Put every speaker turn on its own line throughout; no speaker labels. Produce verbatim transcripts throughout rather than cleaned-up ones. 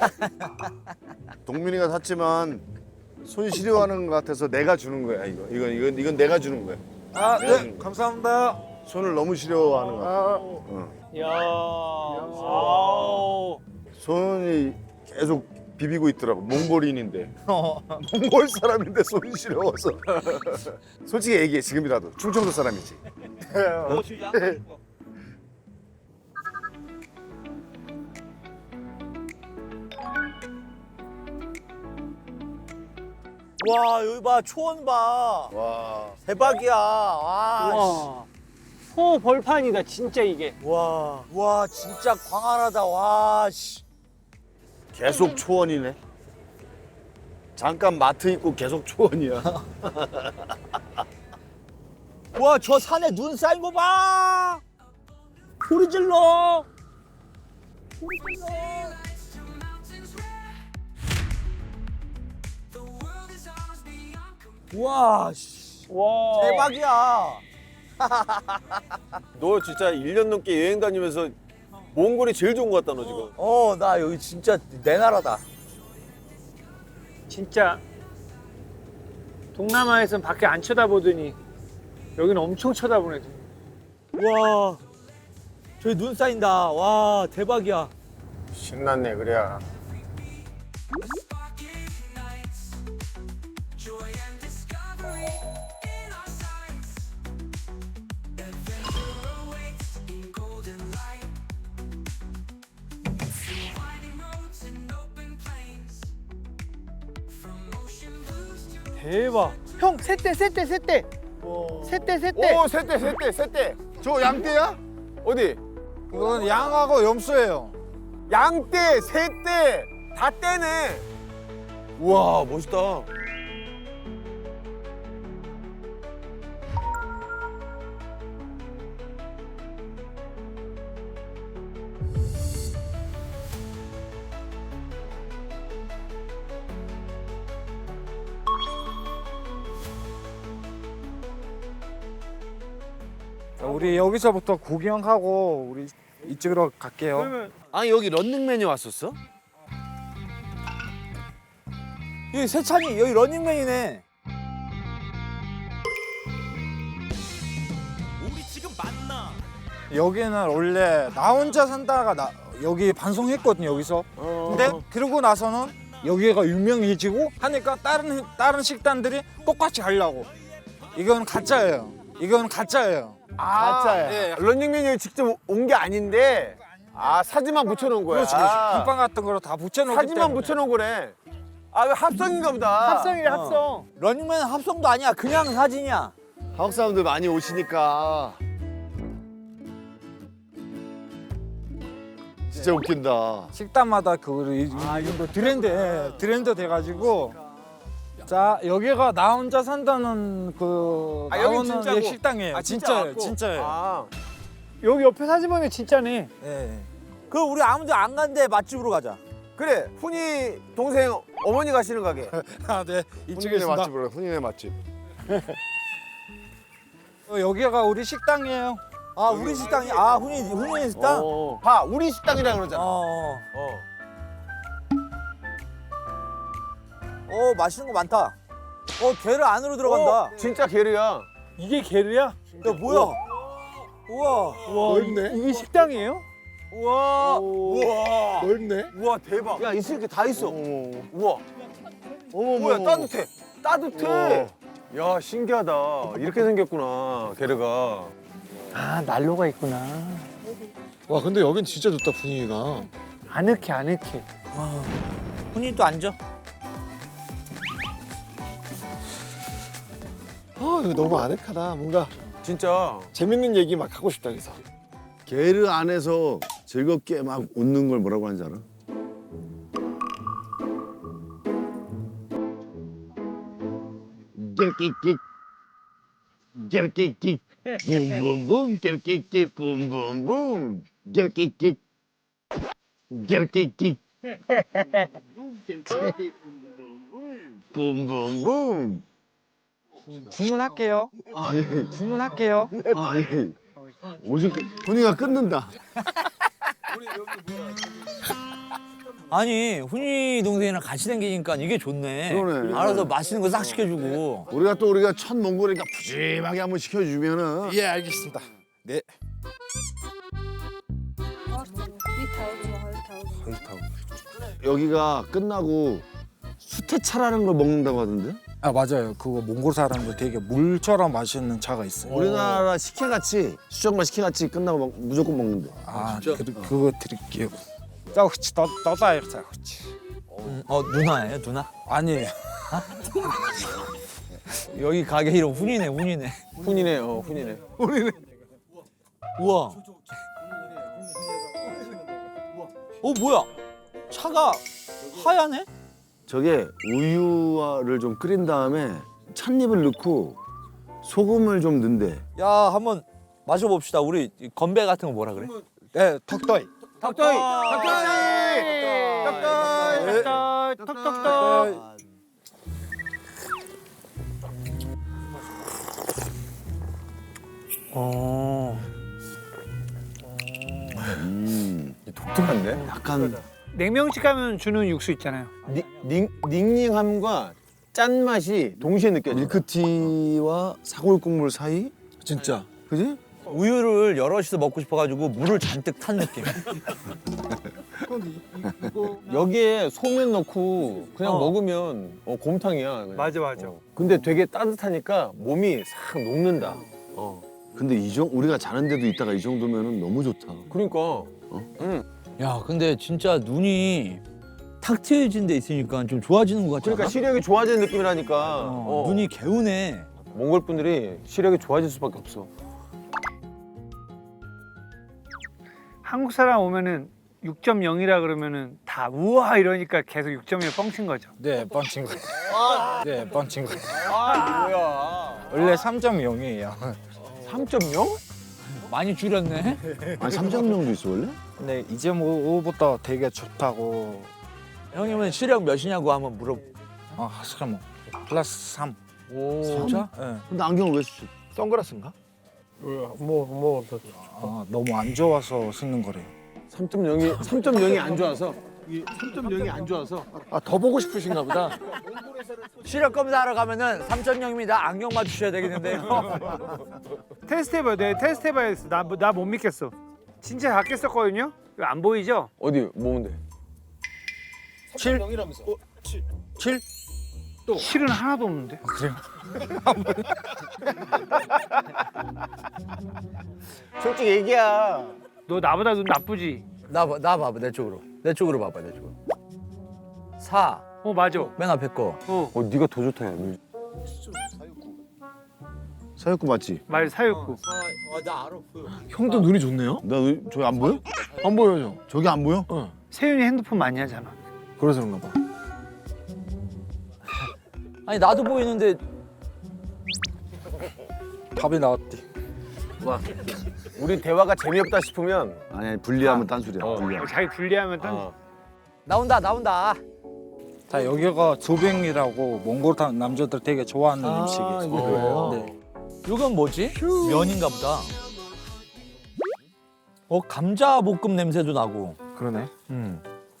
동민이가 샀지만 손 시려하는 것 같아서 내가 주는 거야 이거. 이건 이건 이건 내가 주는 거야.
아,
내가
네,
주는 거야.
감사합니다.
손을 너무 시려하는 것 같아.
아,
어.
야. 아우.
손이 계속 비비고 있더라고. 몽골인인데. 몽골 사람인데 손이 시려워서. 솔직히 얘기해 지금이라도 충청도 사람이지.
와 여기 봐 초원 봐
와.
대박이야. 와.
와. 호 벌판이다 진짜 이게.
와. 와 진짜 광활하다. 와 씨.
계속 초원이네. 잠깐 마트 있고 계속 초원이야.
와 저 산에 눈 쌓인 거 봐. 소리 질러. 소리 질러. 와 씨.
와.
대박이야.
너 진짜 일 년 넘게 여행 다니면서 몽골이 제일 좋은 것 같다 너 지금.
어 나 여기 진짜 내 나라다.
진짜 동남아에선 밖에 안 쳐다보더니 여기는 엄청 쳐다보네.
와 저기 눈 쌓인다. 와 대박이야.
신났네 그래야.
대박. 형 셋대 셋대 셋대. 셋대 셋대.
오, 셋대, 셋대, 셋대.
저 양떼야?
어디?
이건 양하고 염소예요.
양떼, 새떼 다 떼네. 우와 멋있다.
자, 우리 여기서부터 구경하고 우리 이쪽으로 갈게요.
그러면
아니 여기 런닝맨이 왔었어?
여기 세찬이 여기 런닝맨이네.
여기는 원래 나 혼자 산다가 나 여기 방송했거든요 여기서. 근데 그러고 나서는 여기가 유명해지고 하니까 다른 다른 식당들이 똑같이 하려고. 이건 가짜예요. 이건 가짜예요.
가짜야.
예.
런닝맨이 여기 직접 온 게 아닌데 아 사진만 붙여놓은 거야.
그렇지, 그렇지. 금방 같은 거로 다 붙여놓기
사진만
때문에.
붙여놓은 거래. 아 이거 합성인가 보다.
합성이래 합성.
런닝맨 합성도 아니야. 그냥 사진이야.
한국 사람들 많이 오시니까 진짜 웃긴다.
식당마다 그 이, 아, 이거 트렌드, 예, 트렌드 돼가지고. 자, 여기가 나 혼자 산다는 그
아, 여기
나오는
진짜고?
예, 식당이에요.
아, 진짜
진짜예요,
왔고?
진짜예요.
아
여기 옆에 사진 보면 진짜네.
예.
그럼 우리 아무도 안 간데 맛집으로 가자.
그래 훈이 동생 어머니 가시는 가게.
아, 네, 이쪽에
훈이네
있습니다.
맛집으로 훈이네 맛집.
어, 여기가 우리 식당이에요.
아 우리 식당이 아 훈이 훈이 식당. 어.
어. 봐 우리 식당이라 그러잖아.
어.
어.
어 맛있는 거 많다. 어 게르 안으로 들어간다.
어, 진짜 게르야.
이게 게르야?
야 뭐야? 우와.
와
넓네.
이게 식당이에요?
우와. 우와.
넓네.
우와 대박. 야 있을 게 다 있어.
어머.
우와.
어머
뭐야 따뜻해. 따뜻해. 야 신기하다. 이렇게 생겼구나 게르가.
아 난로가 있구나.
와 근데 여긴 진짜 좋다 분위기가.
아늑해 아늑해.
훈이 또 앉아.
아 이거 너무 아늑하다. 뭔가
진짜.
재밌는 얘기 막 하고 싶다 그래서. 게르 안에서 즐겁게 막 웃는 걸 뭐라고 하는지 알아? 낄낄낄 낄낄낄 붐붐붐 낄낄낄 붐붐붐 낄낄낄 낄낄낄 붐붐붐.
주문할게요.
아니
주문할게요.
아니 오직 분위기가 끊는다.
아니 훈이 동생이랑 같이 다니니까 이게 좋네.
그러네.
알아서 맛있는 거 싹 시켜주고.
우리가 또 우리가 첫 몽골이니까 푸짐하게 한번 시켜주면은
예, 알겠습니다. 네.
여기가 끝나고 수태차라는 걸 먹는다고 하던데?
아 맞아요. 그거 몽골 사람들 되게 물처럼 맛있는 차가 있어요.
우리나라 식혜같이 수정만 식혜같이 끝나고 먹, 무조건 먹는데.
아, 그, 그거 드릴게요. 자, 혹시 더 더다 자, 혹시.
음, 어 누나예요 누나?
아니에요.
여기 가게 이름 훈이네 훈이네.
훈이네, 어, 훈이네.
우와. 어 뭐야? 차가 하얗네?
저게 우유를 좀 끓인 다음에 찻잎을 넣고 소금을 좀 넣는데.
야 한번 마셔봅시다. 우리 건배 같은 거 뭐라 그래?
네, 턱더이.
턱더이!
턱더이. 턱턱턱.
어.
음,
독특한데?
약간
냉면집 가면 주는 육수 있잖아요.
니, 닝, 닝닝함과 짠맛이 동시에 느껴져.
밀크티와 사골 국물 사이?
진짜.
그지?
우유를 여럿이서 먹고 싶어가지고 물을 잔뜩 탄 느낌.
여기에 소면 넣고 그냥
어.
먹으면 어, 곰탕이야. 그냥.
맞아 맞아.
어. 근데 되게 따뜻하니까 몸이 싹 녹는다. 어.
근데 이 정, 우리가 자는데도 있다가 이 정도면은 너무 좋다.
그러니까.
야 근데 진짜 눈이 탁 트여진 데 있으니까 좀 좋아지는 것 같지
그러니까
않아?
시력이 좋아지는 느낌이라니까.
어,
어.
눈이 개운해.
몽골 분들이 시력이 좋아질 수밖에 없어.
한국 사람 오면은 육 점 영이라 그러면은 다 우와 이러니까 계속 육 점 영 뻥친 거죠.
네, 뻥친 거. 네, 뻥친 거.
아, 뭐야.
원래 삼 점 영이에요.
삼 점 영?
많이 줄였네.
아니 삼 점 영도 있어 원래?
근데 이제 뭐부터 되게 좋다고.
형님은 시력 몇이냐고 한번 물어.
아, 잠깐만. 플러스 삼.
오.
진짜?
네.
근데 안경을 왜 쓰지?
선글라스인가?
아, 너무 안 좋아서 쓰는 거래요.
삼 점 영이 삼 점 영이 안 좋아서. 삼 점 영이 안 좋아서. 아, 더 보고 싶으신가 보다.
시력 검사하러 가면은 삼 점 영입니다. 안경 맞추셔야 되겠는데요.
테스트 해봐요. 내 테스트 해봐야겠어. 나나 못 믿겠어. 진짜 작게 썼거든요. 이거 안 보이죠?
어디 뭐는데?
칠? 칠?
실은 하나도 없는데.
그래요?
솔직히 얘기야.
너 나보다 눈 나쁘지?
나, 봐- 나 봐봐 내 쪽으로. 내 쪽으로 봐봐 내 쪽으로. 사.
어 맞아.
맨 앞에 거.
어
어, 네가 더 좋다. 야.
사육구 맞지?
말 사육구.
형도 눈이 좋네요?
나 의- 저기 안 보여?
안 보여요.
저기 안 보여?
세윤이 핸드폰 많이 하잖아.
그래서 그런가 봐.
아니 나도 보이는데
답이 나왔대.
우리 대화가 재미없다 싶으면
아니 아니 분리하면 딴소리야.
어.
분리하면.
자기 분리하면 딴.
어.
나온다 나온다.
자, 여기가 조뱅이라고 몽골 타- 남자들 되게 좋아하는 음식이에요.
이게 그래요?
네.
이건 뭐지? 면인가 보다. 어 감자 볶음 냄새도 나고.
그러네.
음.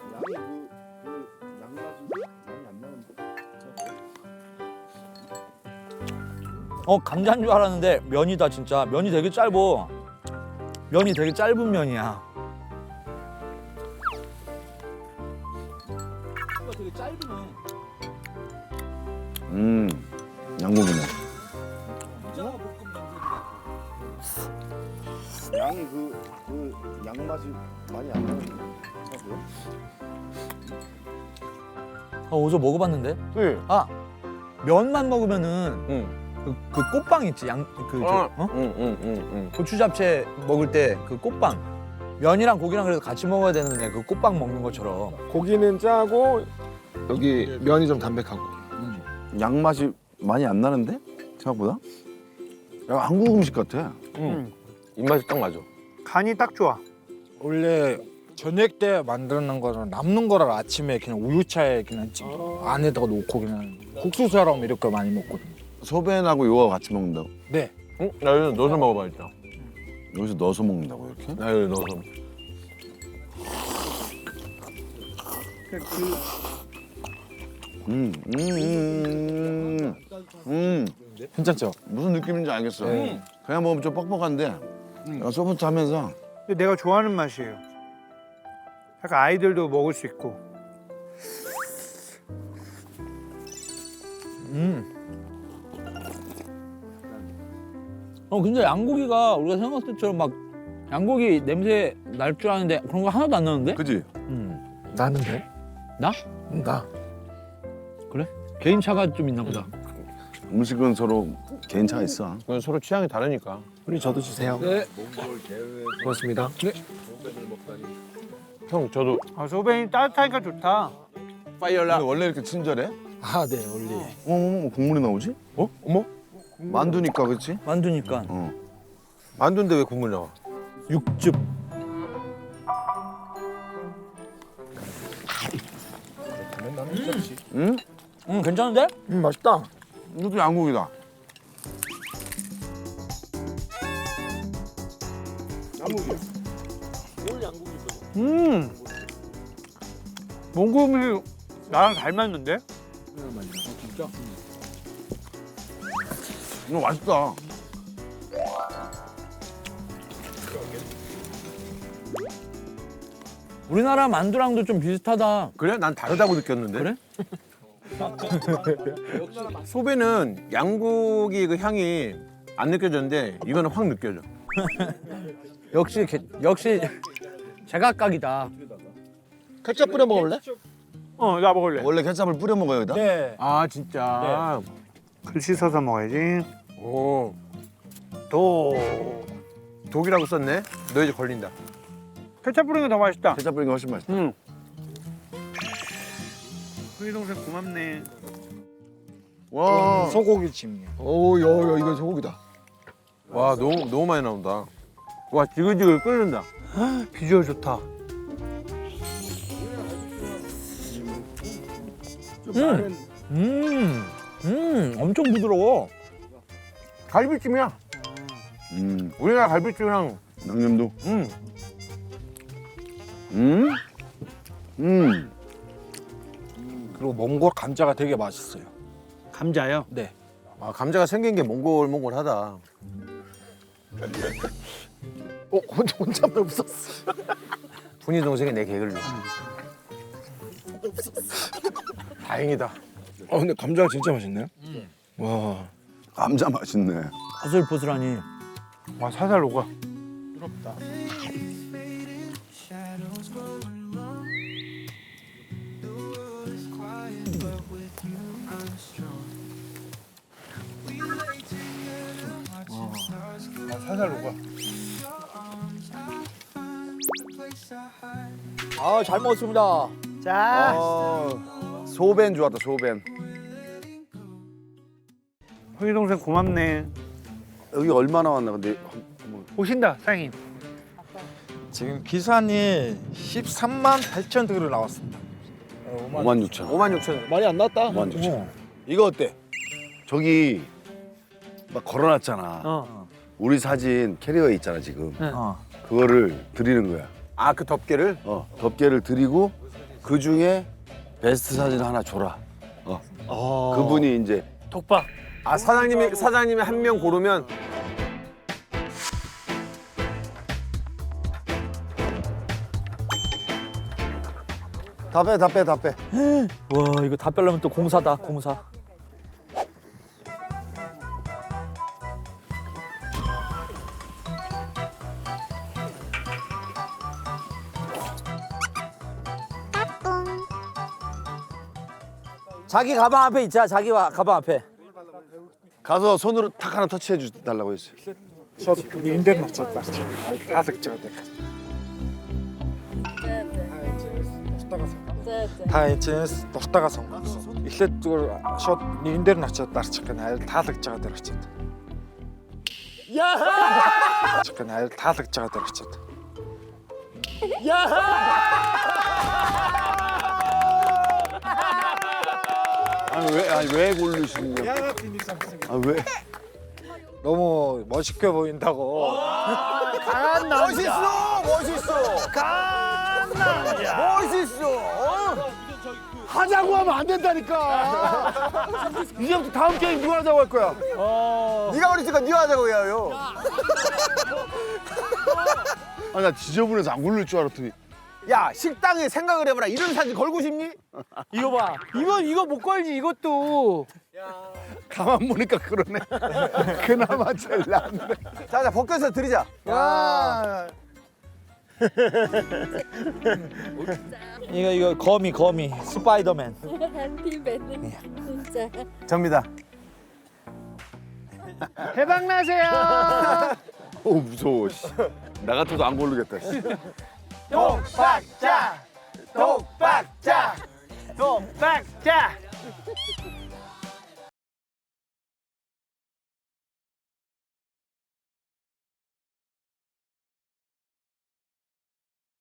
어 감자인 줄 알았는데 면이다 진짜. 면이 되게 짧어. 면이 되게 짧은 면이야. 되게 짧으네.
음, 양고기네. 양이 그, 그 양맛이 많이 안 나는데.
아 어제 먹어봤는데.
네.
아 면만 먹으면은
응.
그, 그 꽃빵 있지 양그
어.
어?
응, 응, 응, 응.
고추 잡채 먹을 때 그 꽃빵 면이랑 고기랑 그래도 같이 먹어야 되는데 그 꽃빵 먹는 것처럼.
고기는 짜고 여기 면이 좀 담백하고.
양맛이 많이 안 나는데? 생각보다? 야, 한국 음식 같아.
응.
입맛이 딱 맞아.
간이 딱 좋아.
원래 저녁 때 만드는 거는 남는 거를 아침에 그냥 우유차에 그냥 찌 안에다가 놓고 그냥 국수처럼 이렇게 많이 먹거든요.
소변하고 요거 같이 먹는다고?
네.
응? 나 여기서 넣어서 먹어봐 일단.
여기서 넣어서 먹는다고 이렇게?
나 여기 넣어서.
음, 음, 음, 음.
괜찮죠?
무슨 느낌인지 알겠어. 그냥 먹으면 좀 뻑뻑한데 음. 소프트 하면서
근데 내가 좋아하는 맛이에요. 약간 아이들도 먹을 수 있고.
어 근데 양고기가 우리가 생각했을 때처럼 막 양고기 냄새 날 줄 아는데 그런 거 하나도 안 나는데?
그지?
음.
나는데?
나?
나.
그래? 개인차가 좀 있나 보다.
음식은 서로 개인차가 있어.
그건 서로 취향이 다르니까.
우리 저도 주세요.
네.
고맙습니다.
형 저도
아, 소변이 따뜻하니까 좋다.
파이어라.
근데 원래 이렇게 친절해?
아, 네, 원래.
어머, 어머, 국물이 나오지?
어? 어머?
만두니까 그렇지?
만두니까.
어.
만두인데 왜 국물 나와?
육즙.
응?
음 괜찮은데?
음, 맛있다.
이것도 양고기다.
음. 몽고 음식 나랑 잘 맞는데?
이거 맛있다.
우리나라 만두랑도 좀 비슷하다.
그래? 난 다르다고 느꼈는데.
그래?
소배는 양고기 그 향이 안 느껴졌는데 이거는 확 느껴져.
역시 개, 역시 제각각이다.
케첩 뿌려 먹을래?
어, 나 먹을래.
원래 케첩을 뿌려 먹어요, 여기다?
네.
아 진짜.
글 씻어서 먹어야지.
오
도.
독이라고 썼네. 너 이제 걸린다.
케첩 뿌리는 게 더 맛있다.
케첩 뿌린 게 훨씬 맛있다.
응. 우리 동생 고맙네.
와,
소고기 찜이에요.
오, 야, 야, 이거 소고기다.
와 너무 너무 많이 나온다. 와 지글지글 끓는다.
비주얼 좋다.
음, 음, 음, 엄청 부드러워.
갈비찜이야.
음,
우리나라 갈비찜이랑
양념도.
음.
음, 음.
그리고 몽골 감자가 되게 맛있어요.
감자요?
네.
아 감자가 생긴 게 몽골몽골하다.
어, 혼자, 혼자만 웃었어.
분이 동생이 내 개그를. 다행이다.
어, 근데 감자가 진짜 맛있네요. 와.
감자 맛있네.
보슬보슬하니.
와, 살살 녹아. 와, 살살 녹아.
아, 잘 먹었습니다.
자.
어, 소벤 좋았다, 소벤.
우리 동생 고맙네.
여기 얼마나 왔나 근데
오신다, 사장님.
지금 기산이 십삼만 팔천 그릇 나왔습니다.
오만 육천.
오만 육천.
많이 안 나왔다.
오만 육천. 이거 어때? 저기 막 걸어놨잖아.
어.
우리 사진 캐리어에 있잖아 지금.
네.
어.
그거를 드리는 거야.
아 그 덮개를?
어, 덮개를 드리고 그 중에 베스트 사진 하나 줘라. 어.
아.
그분이 이제
독박.
아 사장님이 사장님이 한 명 고르면
다 빼, 다 빼, 다 빼.
와, 이거 다 빼려면 또 공사다, 공사. 자기 가방 앞에 있자, 자기 와- 가방 앞에.
가서 손으로 탁 하나 터치해 주 달라고 했어요.
인터넷 쳤다. 다섯 장 돼. Та эцэс дуртайгаа сонгосон. Эхлээд зүгээр шууд энэ дээр нь очиод дарчих гэнэ айл таалагдж байгаа дээр очиод. Яа! Чихэн айл таалагдж байгаа дээр очиод.
아니 왜, 아니 왜 고르시는 거야? 아 왜?
너무 멋있게 보인다고.
강한 남자.
멋있어 멋있어.
강한 남자.
멋있어.
하자고 하면 안 된다니까. 이제부터 다음 게임 누가 하자고 할 거야?
네가 어리니까 네가 하자고 해요. 아, 나 지저분해서 안 굴릴 줄 알았더니.
야 식당에 생각을 해봐라. 이런 사진 걸고 싶니?
이거 봐. 이거 이거 못 걸지 이것도.
가만 보니까 그러네. 그나마 제일 낫네.
자자 벗겨서 드리자.
야.
이거 이거 거미 거미 스파이더맨.
햄피맨은 진짜.
접니다.
대박 나세요.
오, 무서워. 씨. 나 같아도 안 고르겠다. 씨.
독박자 독박자
독박자.